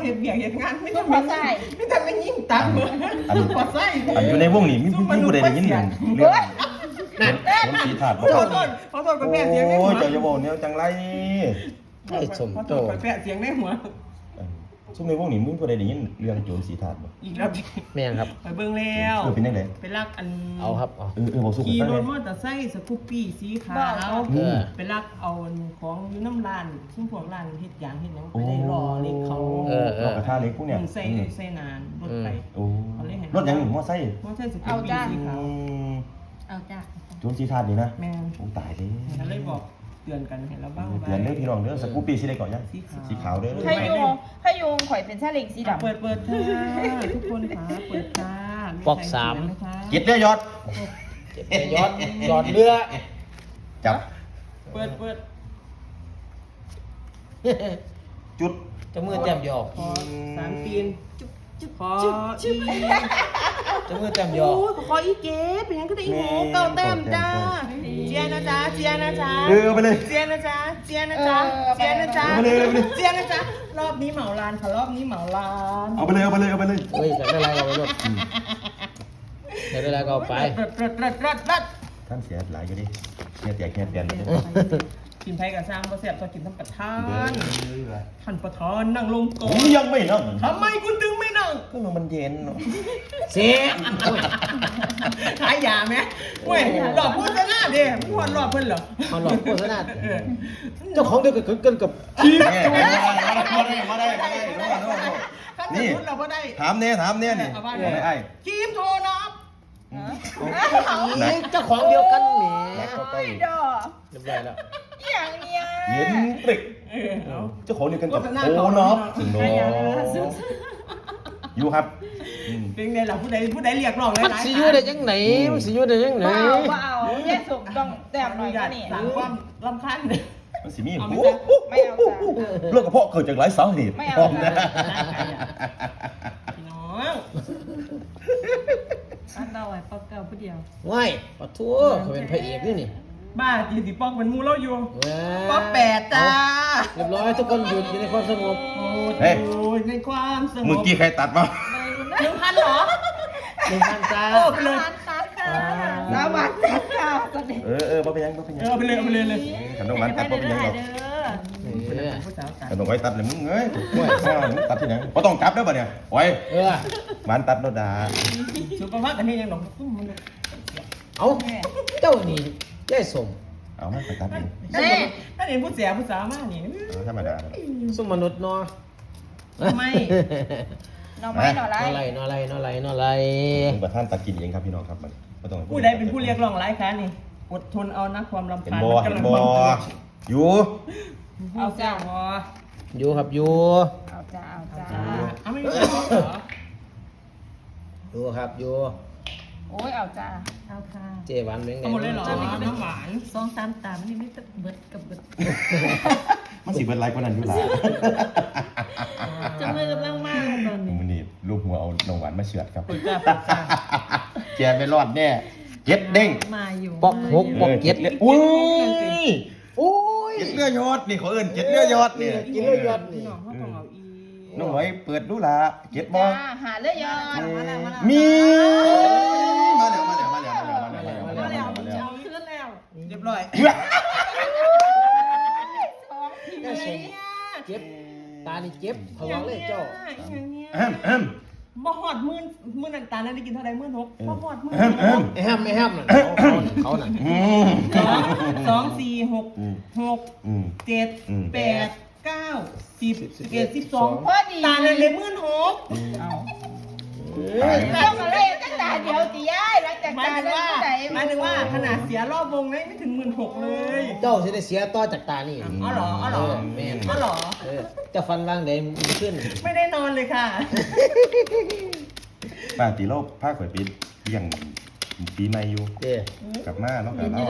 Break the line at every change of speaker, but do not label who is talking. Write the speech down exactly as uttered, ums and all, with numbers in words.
เห็นเบียกเห็นงานไม่ต้องมาใส่ไม่ต้องมายิ่งตังเหมือนพอใส่
อันอยู่ในวงนี้มีมีผู้ใดได้ยินเรื่องเรื่องสมศรีถาดบ่
ขอโทษขอโทษกับแม่เสียงในหัว
โอ้ยเจ้าจะบอกเนี่ยจังไร
ไอ้สม
ขอโท
โต
ษกับแม่เสียงในหัว
ซุ่มในวงนี้มีผู้ใดได้ยินเรื่องโจรสีถาดบ่
อีกแล้ว
แม่งครับ
ไปเบิ่งแล้ว
เออเป็นจังได๋
ไปลักอัน
เอาครับเอา
เออเออบอกสู้กัน
ขี่
ฟัง
ร
เล
ถ
ย
มอเตอร์ไซค์สกูปปี้สีขาว
เออ
ไปลักเอาของอยู่น้ำร้านซึ่งพวกร้านเฮ็ดยางเฮ็ดหยังไปได้รอเล็กเขา
เออเอ
เอา
อก
ระทะเล็กพวกเนี่ย
ใส่ใส่นานรถไป
โอ้รถยังมอไซค์
มอเตอร์ไซค์สกูปปี้สีขาว
เอาจ้ะ
โจรสีถาดนี่นะ
แม่น
โอ้ตายเด้
ก็เลยบอกเตือนกันเห็นแล้วบ้าง
เตือนเด้อพี่น้องเด้อสกูปปี้สิได้ก่อนยังสีขาวเด้อ
ถ้าโยงถ้าโยงข่อยเป็นซาเล้งสีดำ
เปิดเปิดค่ะทุกคนค่ะเปิดค่ะ
ปอกสาม
เก็ดเด้อยอด
เจ็บไปยอดยอดเรือ
จับ
เปิดเปิด
จุด
จะมือแจ่มยอ
พอสามตีนจุ๊บจุ๊บพออี
จะมือแจ่มยอ
โอ้ยขออีเก๋เป็นยังก็ได้อีโหเก้าแต้มจ้าเจียนะจ๊ะเจียนะจ๊ะ
เออเอาไปเลย
เจียนะจ๊ะเจียนะจ๊ะเจียนะจ๊ะ
เอาไปเลยเอาไปเลย
เจียนะจ๊ะรอบนี้เหมาลานค่ะรอบนี้เหมาลาน
เอาไปเลยเอาไปเลยเอาไปเลย
เฮ้ยอยากได้อะไรเอาไปหมดอยากได้อะไรก็เอาไป
รัดรัดรัดรัดรัด
ท่านเสียหลายอยู่ดิเสียแตกแค่เปลี่ยนเลย
กินไทยกับสร้างประเสียบจะกินทั้งประธานท่านประธานนั่งลงก่อ
ผม
น
ยังไม่นั่ง
ทำไมคุณถึงไม่นั่ง
ก็มันเย็นเนาะ
เสีย
ขายยาไหมเว้ยหลอกพูดซะหน้าเด้พูดหลอกเพิ่นเหรอ
เอาหลอกโฆษณาเจ้าของเดียวกับเกินกับ
มาได้มาได้มาได้มาได้โน่โน่โน่
ถ้า
นี่
สมมติเราก็ได้
ถามเนี่ยถามเนี่ยนี่ไม่ไอ้
ครีมโทรนับ
เจ้าของเดียวกันแหม
โอ้ยดอก
เรียบร้อยแล้ว
อย่างเนี้ย
เย็นปริก
เออเอา
เจ้าของเดียวกันกับโอ้น็อปถึงโนอยู่ครับ
เป็นไงล่ะผู้ใดผู้ใดเรียกร้องหลาย
มัน
ๆ
สิอยู่ได้ยังไงมันสิอยู่ได้ยังไง
บ่เอาบ่เอาแยกสุกต้องแต้มหน่อย
อ
ก็
ยาก
นี่
สั่งความรำคาญเลย
มันสิมี
เอาไหม
โอ้
จ๊ะ
ไม่เอาจ้ะ
เรื่องกระเพาะเกิดจากหลายสาเหตุ
ไม่เอา
พร้อมนะ
พี่น้อง
อันเราไว้ปอกเก่าผู้เดียว
ว้ายปะทั่วเขาเป็นพระเอกนี่นี่
บ้าจีสิปอกเป็นมูเราอยู่
ว้า
ปอกแปดจ้า
เรียบร้อยทุกคนหยุดอยู่ในความสงบ
โอ้ยในความสงบ
เมื่อกี้ใครตัดมา
หนึ่งพันเหรอ
หนึ่งพันจ้า
โอ้ไปเลย
ตัดค่ะสวัสดีค่ะสวัสดี
เออเออบ่เป็นยังบ่เป็นยั
เอง อไปเลยเอาไปเลยเลย
ขนมหวานตัดบ่เป็นยังหรอก
เออ
ผู้สาวตัด
ขนมไว้ตัดเลยมึงเอ้ยห่วยซ่ามึงตัดที่ไหนบ่ต้องกลับเด้อบ่เนี่ยโอ้ย
เออ
หวานตัดโนดา
สุขภาพอันนี้ยังหนอง
เอาเจ้านี่ยายสม
เอามาไปตัดเอง
ถ้าเห็นผู้เสียผู้สาวมากนี่
เอาธรรมดา
สุมนุษย์เนาะ
ไม่
หน่อไม้หน่อ
นอ
ไร
ไรนอไรนอไรนอไร
เป็นประธานตัดกินเองครับพี่น้องครับมันบ่ต้อง
ผู้ใดเป็นผู้เรียกร้องหลายครั้งนี่อดทนเอานะความรำ
เห็น
คาญ
บ่
มัน
เห็น
กำลัง
บ่
บังเกิด
อยู่
เอาจ้าพอ
อยู่ครับอยู่
เอาจ้าเอาจ้า
เอาไม่ได้เหรอ
อยู่ครับอยู่
โอ้ยเอาจ้า
เอาค่ะ
เจหวานเม้งไง
เอาหมดเลยเหรอน้ำหวาน
สองสามตามันยังไม่เบิดกับเบิด
มันสิเบิดไลค์กว่านั้นอยู่ล่ะ
จะมือกำลังมากเลยตอนนี้
มื้อนี้ลูกหัวเอานมหวานมาเฉือดครับ
เปิดจ้าเปิดจ้า
แกไม่รอดแน่เจ็ดเด้ง
มาอยู่
ปอกหกปอกเจ็ด
เลืออุ้ย
โอ้ย
เจ็ดเลือยอดนี่เขาเอิ้นเจ็ดเลือยอดนี่
กินเลยยอดนี่
พี่น้องเขาต้องเอาอี
น้องหน่อยเปิดดูล่ะเจ็ดบ่
จ้าหาเลือดยอด
มีมาแล้วมาแล้วมาแล้วมาแล้วมาแล้วมาแล้วมาแล้วมาแล้ว
เอาขึ้นแล้ว
เรียบร้อย
สองที
ยายสมเจ็บตานี่เจ็บพลังเลยเจ้า
อย่างเนี้ย
แอมแอม
บ่หอดมื่นมื่นนันตาลนั้นได้กินเท่าไรมื่นหกบ่หอดมื่น
แอมแอม
ไอ้ห้ามไอ้ห้ามน่ะเขาเขาน่ะเขาน่ะ
อืม
สองสองสี่หก
อืม
หก
อืม
เจ็ด
อืม
แปดเก้าสิบสิบเอ็ดสิบสอง
พอดี
ตาเลยเลยมื่นหก
ตาย
ต้องอะไรตั้งแต่เดียวตีย้ายหลังจาก
หมาย
การ
ถึง
เล่
ว่าน
ไหน
หมายถึงว่าขนาดเสียรอบวงนั้นไม่ถึงหมื่นหกเลย
เจ้าจะได้เสียต่อจากตานี่
อ๋อเหรออ๋อเหรอ
แม่น
อ๋อเหรอ
เออเจะฟันล่างใดมันขึ้น
ไม่ได้นอนเลยค่ะ
ป้าตีโลกภาคข่อยปีเลี้ยงปีใหม่อยู่
เด้
กลับมาแล้วกับเรา